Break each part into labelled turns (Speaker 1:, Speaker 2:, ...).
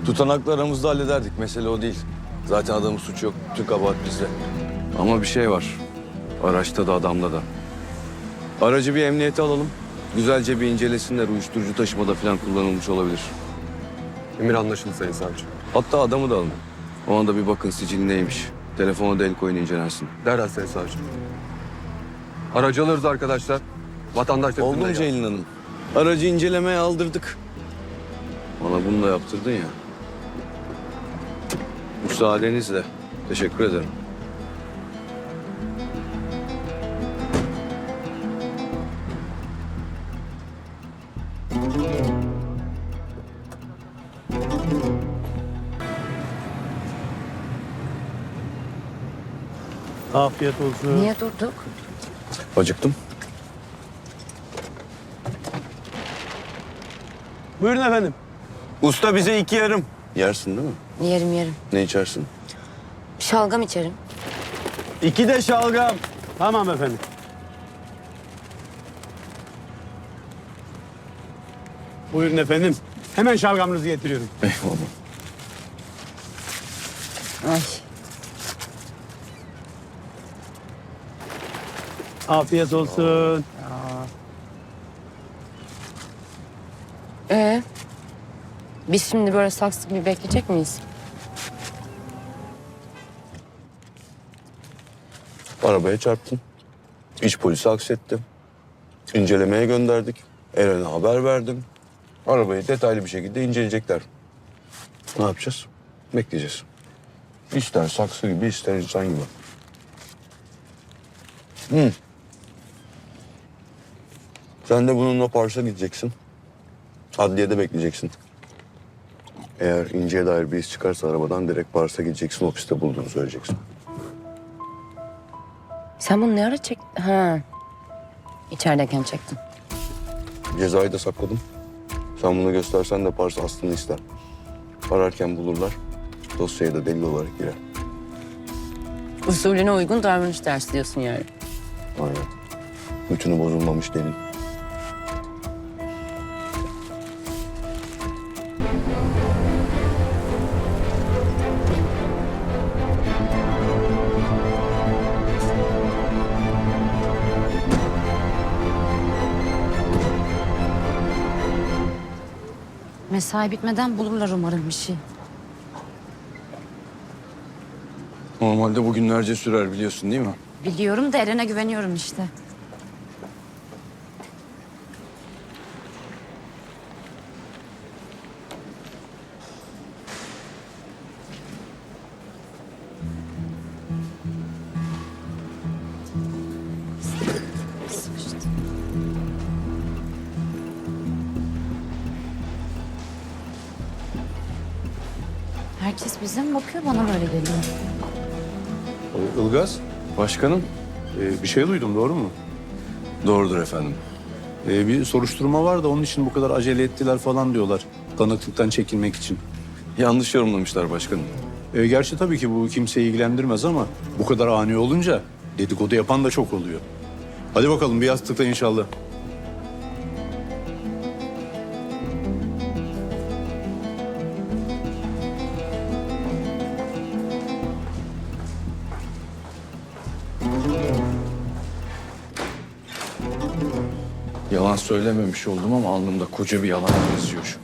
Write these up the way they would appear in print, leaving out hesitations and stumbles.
Speaker 1: Tutanakla aramızda hallederdik. Mesele o değil. Zaten adamın suçu yok. Bütün kabahat bizde. Ama bir şey var. Araçta da adamda da. Aracı bir emniyete alalım. Güzelce bir incelesinler. Uyuşturucu taşımada falan kullanılmış olabilir.
Speaker 2: Emir anlaşıldı Sayın Savcı.
Speaker 1: Hatta adamı da alın. O anda bir bakın sicili neymiş. Telefona da el koyun incelensin.
Speaker 2: Derhal Sayın Savcı. Aracı alırız arkadaşlar. Vatandaş da
Speaker 1: Oldu mu
Speaker 2: bizimle gelsin.
Speaker 1: Ceylin Hanım? Aracı incelemeye aldırdık. Bana bunu da yaptırdın ya. Müsaadenizle. Teşekkür ederim.
Speaker 3: Afiyet olsun.
Speaker 4: Niye durduk?
Speaker 1: Acıktım.
Speaker 3: Buyurun efendim.
Speaker 1: Usta bize 2 yarım. Yersin değil mi?
Speaker 4: Yerim.
Speaker 1: Ne içersin?
Speaker 4: Şalgam içerim.
Speaker 3: 2 de şalgam. Tamam efendim. Buyurun efendim. Hemen şalgamınızı getiriyorum.
Speaker 1: Eyvallah.
Speaker 4: Ay.
Speaker 3: Afiyet olsun.
Speaker 4: Biz şimdi böyle saksı gibi bekleyecek miyiz?
Speaker 1: Arabaya çarptın. İç polisi aksettim. İncelemeye gönderdik. Eren'e haber verdim. Arabayı detaylı bir şekilde inceleyecekler. Ne yapacağız? Bekleyeceğiz. İster saksı gibi, ister insan gibi. Sen de bununla Pars'a gideceksin. Adliyede bekleyeceksin. Eğer İnce'ye dair bir iz çıkarsa arabadan direkt Pars'a gideceksin. Ofiste bulduğunu söyleyeceksin.
Speaker 4: Sen bunu ne ara çektin? Ha. İçerideyken çektin.
Speaker 1: Cezayı da sakladım. Sen bunu göstersen de Pars aslını ister. Ararken bulurlar. Dosyaya da delil olarak girer.
Speaker 4: Usulüne uygun davranış dersi diyorsun yani.
Speaker 1: Aynen. Bütünü bozulmamış delil.
Speaker 5: Mesai bitmeden bulurlar umarım bir şey.
Speaker 1: Normalde bu günlerce sürer biliyorsun değil mi?
Speaker 5: Biliyorum da Eren'e güveniyorum işte. Sıkıştı. Herkes bize mi bakıyor, bana böyle geliyor.
Speaker 6: Ilgaz,
Speaker 1: Başkanım.
Speaker 6: bir şey duydum, doğru mu?
Speaker 1: Doğrudur efendim.
Speaker 6: Bir soruşturma var da onun için bu kadar acele ettiler falan diyorlar. Tanıklıktan çekilmek için.
Speaker 1: Yanlış yorumlamışlar başkanım.
Speaker 6: Gerçi tabii ki bu kimseyi ilgilendirmez ama bu kadar ani olunca dedikodu yapan da çok oluyor. Hadi bakalım bir yastıkta inşallah.
Speaker 1: Yalan söylememiş oldum ama alnımda koca bir yalan yazıyor şu.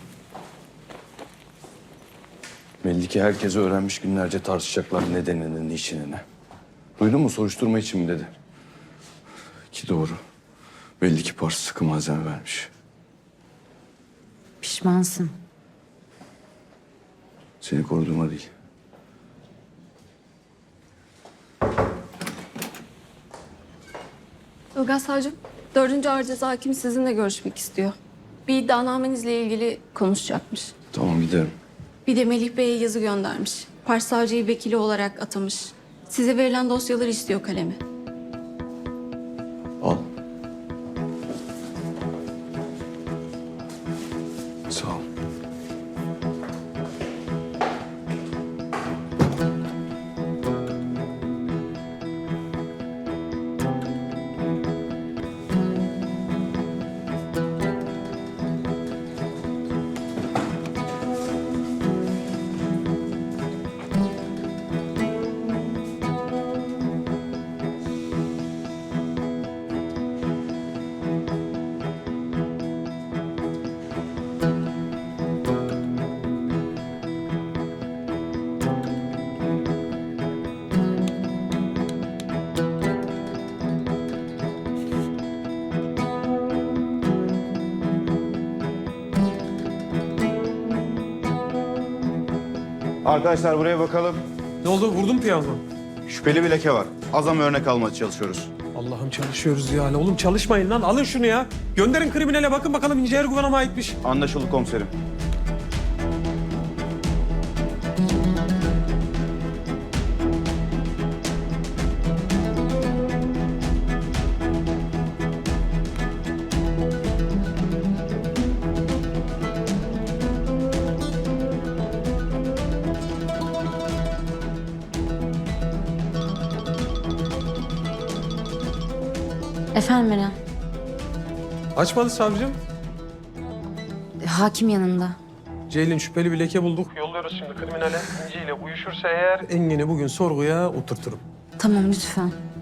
Speaker 1: Belli ki herkes öğrenmiş, günlerce tartışacaklar nedenini, niçinini. Duydun mu, soruşturma için mi dedi. Ki doğru. Belli ki Pars sıkı malzeme vermiş.
Speaker 5: Pişmansın.
Speaker 1: Seni koruduğuma değil.
Speaker 7: Ilgaz Savcım, 4. Ağır Ceza Hakimi sizinle görüşmek istiyor. Bir iddianamenizle ilgili konuşacakmış.
Speaker 1: Tamam giderim.
Speaker 7: Bir de Melih Bey'e yazı göndermiş. Pars savcıyı vekili olarak atamış. Size verilen dosyaları istiyor kalemi.
Speaker 1: Al. Sağ ol.
Speaker 8: Arkadaşlar buraya bakalım.
Speaker 9: Ne oldu? Vurdun piyango.
Speaker 8: Şüpheli bir leke var. Azam örnek almaya çalışıyoruz.
Speaker 9: Allah'ım çalışıyoruz ya. Oğlum çalışmayın lan. Alın şunu ya. Gönderin kriminale bakın bakalım İnce Erguvan'a mı aitmiş.
Speaker 8: Anlaşıldı komiserim.
Speaker 5: Efendim Eren.
Speaker 9: Açmadı savcım.
Speaker 5: Hakim yanında.
Speaker 9: Ceylin şüpheli bir leke bulduk. Yolluyoruz şimdi kriminale. İnci ile uyuşursa eğer Engin'i bugün sorguya oturturum.
Speaker 5: Tamam lütfen.